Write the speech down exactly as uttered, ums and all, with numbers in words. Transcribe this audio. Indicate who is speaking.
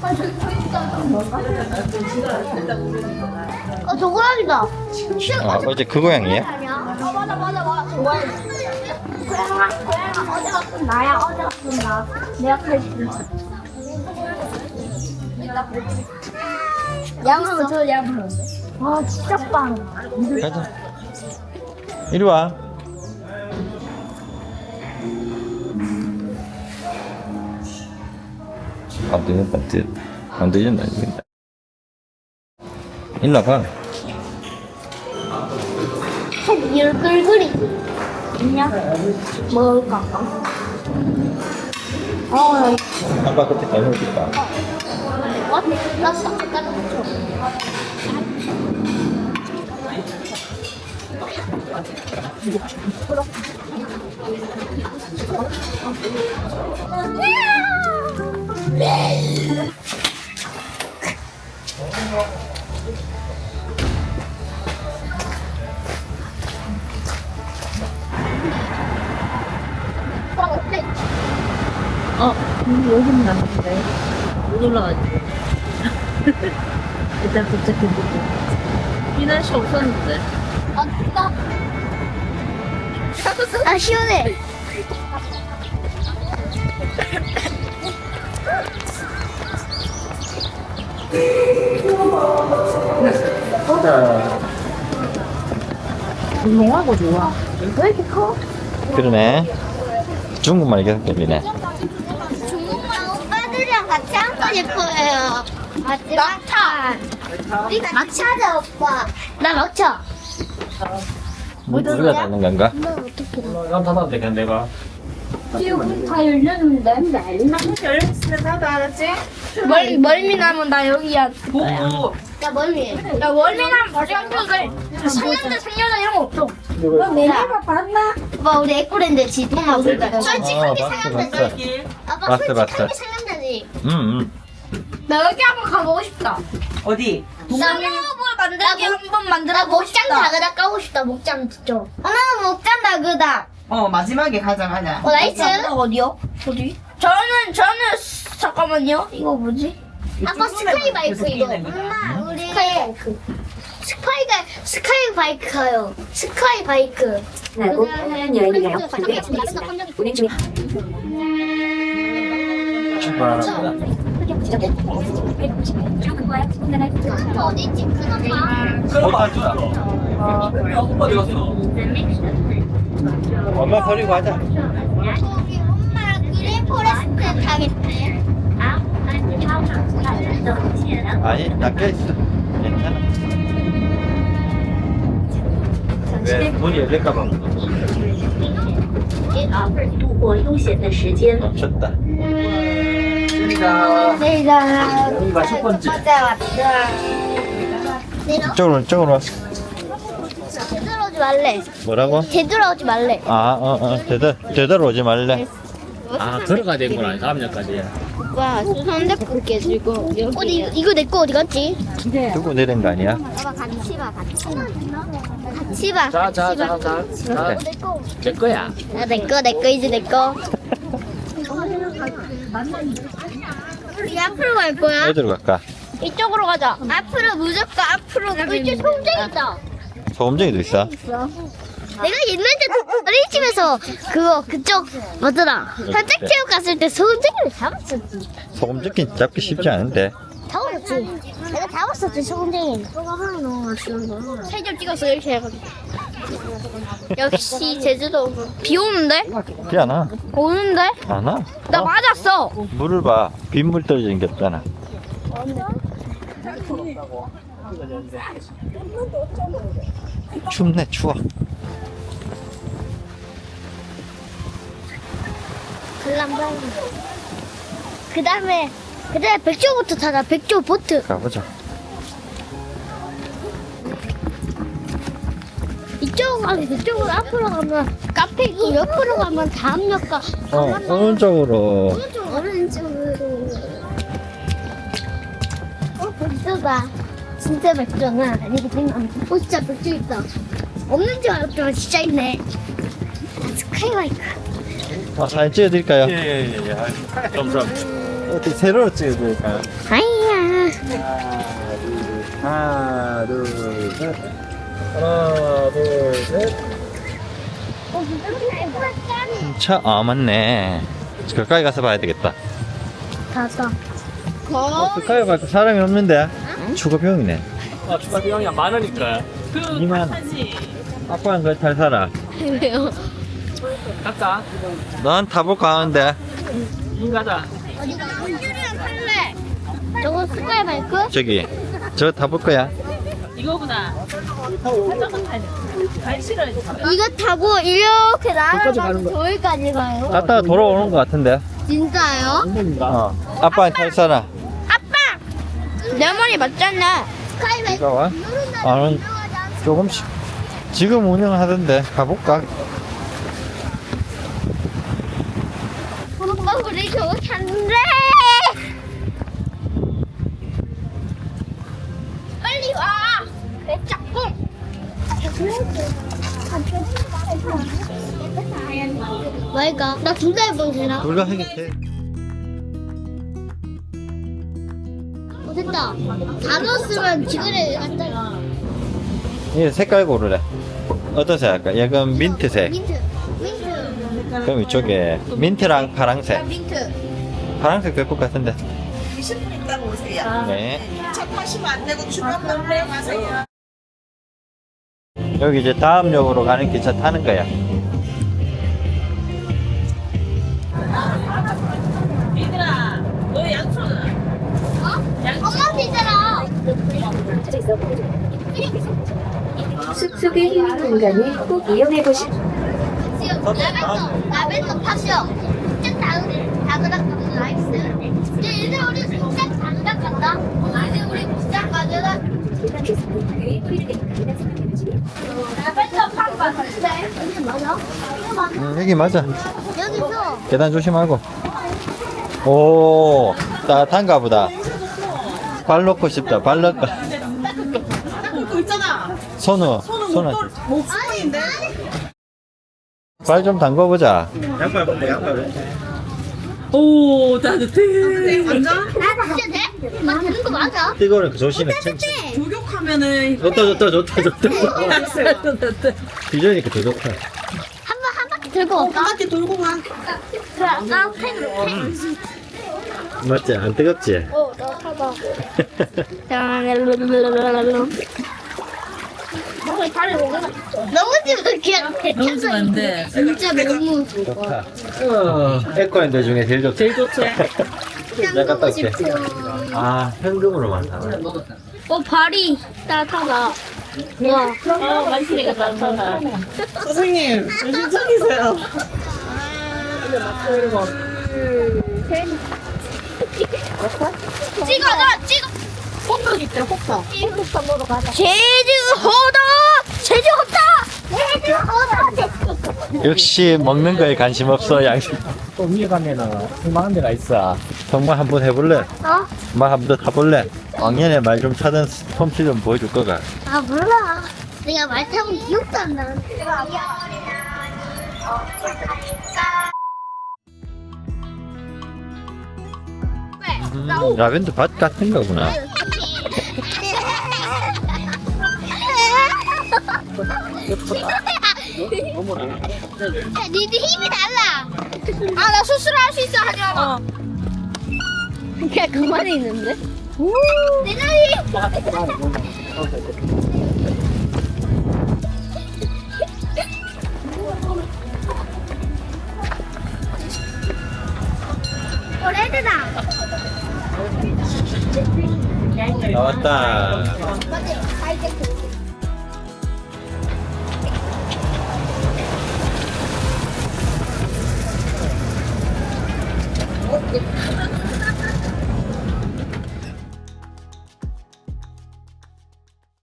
Speaker 1: 어, 저 고양이다.
Speaker 2: 아, 어제 그 고양이에요?
Speaker 1: 어, 맞아, 맞아, 맞아. 저 고양이. 고양아, 고양아, 어제 같은 나야, 어제 같은 나. 내가 칼질. 양은 저 양은. 와, 진짜 빵.
Speaker 2: 가자. 이리 와. 안 되겠다, 안 되겠다. 안 되겠다, 안 되겠다. 일로 와봐.
Speaker 1: 속 열글그리. 있냐? 먹을까? 어,
Speaker 2: 아빠 그때 잘 먹겠다.
Speaker 1: 어? 나 싹까지 붙여.
Speaker 3: 어, 근데 여기는 아닌데. 못 올라가지고. 일단 도착해보고. 이 날씨 없었는데.
Speaker 1: 아, 나. 아, 시원해.
Speaker 3: 운동하고 좋아.
Speaker 1: 왜 이렇게 커?
Speaker 2: 그러네. 중국말 계속 들리네.
Speaker 1: 중국말 오빠들이랑 같이 앉고 싶어요. 맞지? 막차. 우리가 막차자, 오빠. 나 막차.
Speaker 2: 뭐, 우리가 닫는 건가?
Speaker 1: 너 어떻게 나?
Speaker 4: 난 닫아도 되겠네 내가.
Speaker 1: 지금 다 열렸는데.
Speaker 3: 열렸으면 나도 알았지?
Speaker 1: 멀미, 멀미 나면 나 여기야.
Speaker 3: 보고.
Speaker 1: 나 멀미. 나 멀미 나면 바로 학교 돼. 상년대, 상년대 이런 거 없어.
Speaker 3: 너 내가 봤나?
Speaker 1: 오빠, 우리 에코랜드 지도 먹을까?
Speaker 2: 아,
Speaker 1: 솔직하게
Speaker 2: 봤어,
Speaker 1: 상년대지.
Speaker 2: 봤어.
Speaker 1: 아빠,
Speaker 2: 봤어,
Speaker 1: 솔직하게
Speaker 2: 봤어.
Speaker 1: 상년대지.
Speaker 2: 응, 응.
Speaker 1: 나 여기 한번 가보고 싶다.
Speaker 3: 어디?
Speaker 1: 동물을 만들기 한번 만들어 보고 싶다. 목장 다그다 까고 싶다. 목장 진짜. 어, 나는 목장 다그다.
Speaker 3: 어, 마지막에 가자, 가자.
Speaker 1: 어, 나이스. 어디요? 어디? 저는 저는 스- 잠깐만요. 이거 뭐지? 아빠 스카이 바이크 이거. 엄마 우리 스카이 바이크. 스카이가 스카이 바이크요. 스카이 바이크.
Speaker 5: 나고 하얀 여인이랑 준비했습니다. 운행 중에
Speaker 2: 출발합니다.
Speaker 1: 어디 있지? 큰 엄마.
Speaker 2: 못 타주다.
Speaker 4: 오빠 어디 갔어?
Speaker 2: 엄마 버리고 가자.
Speaker 1: 저기 엄마랑 그린 포레스트 타겠대.
Speaker 2: 아니, 낚여 있어. 괜찮아. 왜 문이 열릴까봐
Speaker 5: 度过悠闲的时间。
Speaker 2: 멈췄다.
Speaker 4: 여기가
Speaker 1: 내가
Speaker 4: 여기가 첫 번째.
Speaker 1: 맞아 맞아. 내가
Speaker 2: 이쪽으로, 이쪽으로.
Speaker 1: 되돌아오지 말래.
Speaker 2: 뭐라고?
Speaker 1: 되돌아오지 말래.
Speaker 2: 아, 어, 어, 되돌, 되돌아오지 말래.
Speaker 4: 아 들어가야 되는구나 다음 년까지.
Speaker 1: 와, 손대고 깨지고. 어디 이거 내 거 어디 갔지?
Speaker 2: 두고 내린 거 아니야?
Speaker 1: 봐봐 같이 봐, 같이 봐. 같이 봐.
Speaker 4: 자자자자.
Speaker 2: 그래.
Speaker 1: 내 거.
Speaker 4: 내 거야.
Speaker 1: 아, 내 거, 내 거 이제 내 거. 우리 앞으로 갈 거야?
Speaker 2: 어디로 갈까?
Speaker 1: 이쪽으로 가자. 앞으로 무조건 앞으로 가자. 이쪽 소금쟁이다.
Speaker 2: 소금쟁이도 있어.
Speaker 1: 내가 옛날에 어린이집에서 그거 그쪽 뭐더라 산책체육 갔을 때 소금쟁이를 잡았었지.
Speaker 2: 소금쟁이 잡기 쉽지 않은데.
Speaker 1: 잡았었지. 내가 잡았었지 소금쟁이. 사진 찍었어 이렇게 해가지고. 역시 제주도 비 오는데?
Speaker 2: 비 안 와.
Speaker 1: 오는데?
Speaker 2: 안 와?
Speaker 1: 나
Speaker 2: 어?
Speaker 1: 맞았어.
Speaker 2: 물을 봐. 빗물 떨어지는 게 없잖아. 춥네, 추워.
Speaker 1: 글람방. 그 다음에 그 다음에 백조부터 타자. 백조 보트.
Speaker 2: 가보자.
Speaker 1: 이쪽으로 이쪽으로 앞으로 가면 카페 있고 옆으로 가면 다음역가.
Speaker 2: 어, 오른쪽으로.
Speaker 1: 오른쪽 오른쪽으로. 어 백조다. 진짜 백조는 아니거든. 어 진짜 백조 있다. 없는 줄 알았더니 진짜 있네. 아, 스카이바이크.
Speaker 2: 아, 사진 찍어드릴까요?
Speaker 4: 예예예. 감사합니다.
Speaker 2: 어떻게 세로로 찍어줄까요?
Speaker 1: 아이야.
Speaker 2: 하나, 둘, 셋. 하나, 둘, 셋. 차, 아, 맞네. 가까이 가서 봐야 되겠다.
Speaker 1: 가서.
Speaker 2: 어, 가까이 가서 사람이 없는데? 추가 비용이네.
Speaker 4: 아, 추가 비용이 많으니까.
Speaker 2: 이만. 아빠는 그걸 잘 살아.
Speaker 1: 왜요?
Speaker 4: 갈까?
Speaker 2: 넌 타볼까 하는데.
Speaker 4: 이 가자.
Speaker 1: 어디가? 한줄이랑 탈래. 저거 스카이 바이크?
Speaker 2: 저기, 저 타볼 거야.
Speaker 3: 이거보다 한정도 타야 돼. 발 실어야 돼.
Speaker 1: 이거 타고 이렇게
Speaker 4: 저기까지
Speaker 1: 날아가서
Speaker 4: 가는 거야.
Speaker 1: 저기까지 가요.
Speaker 2: 갔다가 돌아오는 것 같은데.
Speaker 1: 진짜요?
Speaker 2: 어. 아빠는 탈 사람.
Speaker 1: 아빠! 내 말이 맞잖아. 스카이 바이크.
Speaker 2: 이거 와? 나는 조금씩. 지금 운영하던데. 가볼까?
Speaker 1: 오빠 우리 저거 탄대. 빨리 와. 내 짝꿍. 뭐이가? 나 두 달 보시나?
Speaker 2: 둘다 하게 돼.
Speaker 1: 어, 됐다. 다 넣었으면 지그래 갔잖아.
Speaker 2: 이 색깔 고르래. 어떤 색 할까? 약간 민트색.
Speaker 1: 민트. 민트.
Speaker 2: 그럼 이쪽에 민트랑 파랑색.
Speaker 1: 민트.
Speaker 2: 파랑색 예쁠 것 같은데.
Speaker 6: 이십 분 있다가 오세요.
Speaker 2: 네.
Speaker 6: 차 타시면 안 되고 중간만 내려가세요.
Speaker 2: 여기 이제 다음 역으로 가는 기차 타는 거야.
Speaker 3: 얘들아, 너 양초는?
Speaker 1: 엄마 피자라.
Speaker 5: 숲속의 힐링 공간을 꼭 이용해 보시.
Speaker 1: 지금 라벤더 라벤더 파시오. 진짜 다음 다그닥 라이스. 이제 이제 우리 진짜 장작 간다. 이제 우리 진짜 가져다. 라벤더 파고 갔는데 여기 맞아? 이거 맞아?
Speaker 2: 음, 여기 맞아.
Speaker 1: 여기서
Speaker 2: 계단 조심하고. 오, 따뜻한가 보다. 발 넣고 싶다. 발 넣고.
Speaker 6: 그 있잖아.
Speaker 2: 손으로.
Speaker 6: 손은
Speaker 2: 손을.
Speaker 6: 못 쓰는데.
Speaker 2: 발 좀 담궈보자. 양발 벗고 양발.
Speaker 3: 오, 따뜻해.
Speaker 6: 완전
Speaker 1: 나 진짜 돼? 나 되는 거 맞아?
Speaker 2: 이거는 조심해.
Speaker 6: 조격하면은
Speaker 2: 좋다 좋다 좋다 좋다. 비전이니까 더 좋다.
Speaker 1: 한 번 한 바퀴 들고
Speaker 6: 한
Speaker 1: 올까?
Speaker 6: 바퀴 돌고 가.
Speaker 1: 그래 아까 팬으로 팬.
Speaker 2: 맞지? 안 뜨겁지?
Speaker 1: 어, 나 타봐. 너무 지막해.
Speaker 3: 너무 지면 안 돼.
Speaker 1: 진짜 너무
Speaker 2: 좋다. 에코랜드 중에 제일 좋다.
Speaker 3: 제일 좋죠.
Speaker 2: 내가 갔다 올게. 아, 현금으로만 사.
Speaker 1: 어 발이 따뜻하다. 와.
Speaker 3: 어, 맛있으니까 따뜻하다.
Speaker 6: 선생님, 정신 차리세요.
Speaker 1: 찍어, 나 찍어. 호떡 있대, 호떡. 호떡 먹으러 가자. 제주 호떡, 제주 호떡, 제주 호떡.
Speaker 2: 역시 먹는 거에 관심 없어, 양심.
Speaker 4: 또 위에 가면은 쓸만한 데가 있어.
Speaker 2: 정말 한번 해볼래?
Speaker 1: 어?
Speaker 2: 말 한번 더 타볼래? 왕년에 말 좀 타던 솜씨 좀 보여줄 거가.
Speaker 1: 아 몰라. 내가 말 타면 기억도 안 나는데.
Speaker 2: 음, 라벤더 밭 같은 거구나.
Speaker 1: 야, 니들 힘이 달라. 아, 나 수술할 수 있어. 하지 마봐. 그냥 그만에 있는데? 내 다리. 어, 레드다.
Speaker 2: 나왔다.
Speaker 1: 맞지? 다 이제